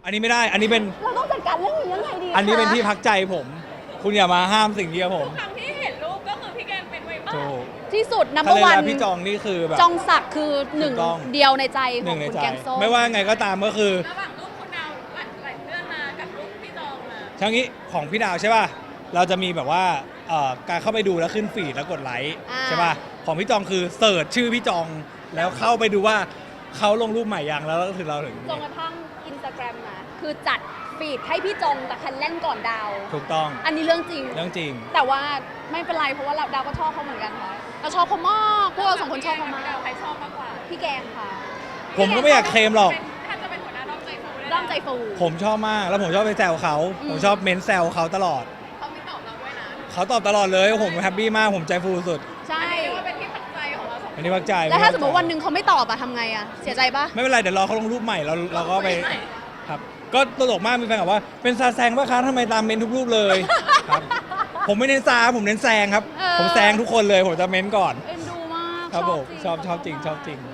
อันนี้ไม่ได้อันนี้เป็นเราต้องจัดการเรื่องนี้ยังไงดีอันนี้เป็นที่พักใจผม คุณอย่ามาห้ามสิ่งนี้กับผมครั้งที่เห็นรูปก็คือพี่แกงเป็นไว้มากถูกที่สุดนัมเบถ้าอร์เล่นวันแล้วพี่จองนี่คือแบบจองศักดิ์คือหนึ่งถูกต้องเดียวในใจขหอนึ่งงในคุณใจแกงส้มไม่ว่าไงก็ตามก็คือระหว่างรูปคุณดาวหลายเดือนมากับรูปพี่จองมาทั้งนี้ของพี่ดาวใช่ป่ะเราจะมีแบบว่าการเข้าไปดูแล้วขึ้นฟีดแล้วกดไลค์ใช่ป่ะของพี่จองคือเสิร์ชชื่อพี่จองแล้วเข้าไปดูว่าเขาลงรูปใหม่ยังแล้วก็ถึงเราถึงจนกระทั่งอินสตาแกรมนะคือจัดฟีดให้พี่จงกับคันเล่นก่อนดาวถูกต้องอันนี้เรื่องจริงเรื่องจริงแต่ว่าไม่เป็นไรเพราะว่าดาวก็ชอบเขาเหมือนกันค่ะเราชอบเขามากพวกเราสองคนชอบเขามากดาวใครชอบมากกว่าพี่แกงค่ะผมก็ไม่อยากเคลมหรอกถ้าจะเป็นหัวหน้าด้อมใจฟูได้ร่างใจฟูผมชอบมากแล้วผมชอบไปแซวเขา ผมชอบเม้นแซวเขาตลอดเขาไม่ตอบเราด้วยนะเขาตอบตลอดเลยผมแฮปปี้มากผมใจฟูสุดใช่เรียกว่าเป็นที่พักใจของเราสองคอันนนี้พักใจแล้วถ้าสมมติวันหนึ่งเขาไม่ตอบอะทำไงอะเสียใจปะไม่เป็นไรเดี๋ยวรอเขาลงรูปใหม่เราก็ไปครับก็ตลกมากมีแฟนบอกว่าเป็นซาแซงป่ะคะทำไมตามเม้นทุกรูปเลยครับผมไม่เน้นซาผมเน้นแซงครับ ผมแซงทุกคนเลยผมจะเม้นก่อนเอ็นดูมากครับผมจริงชอบจริงชอบจริง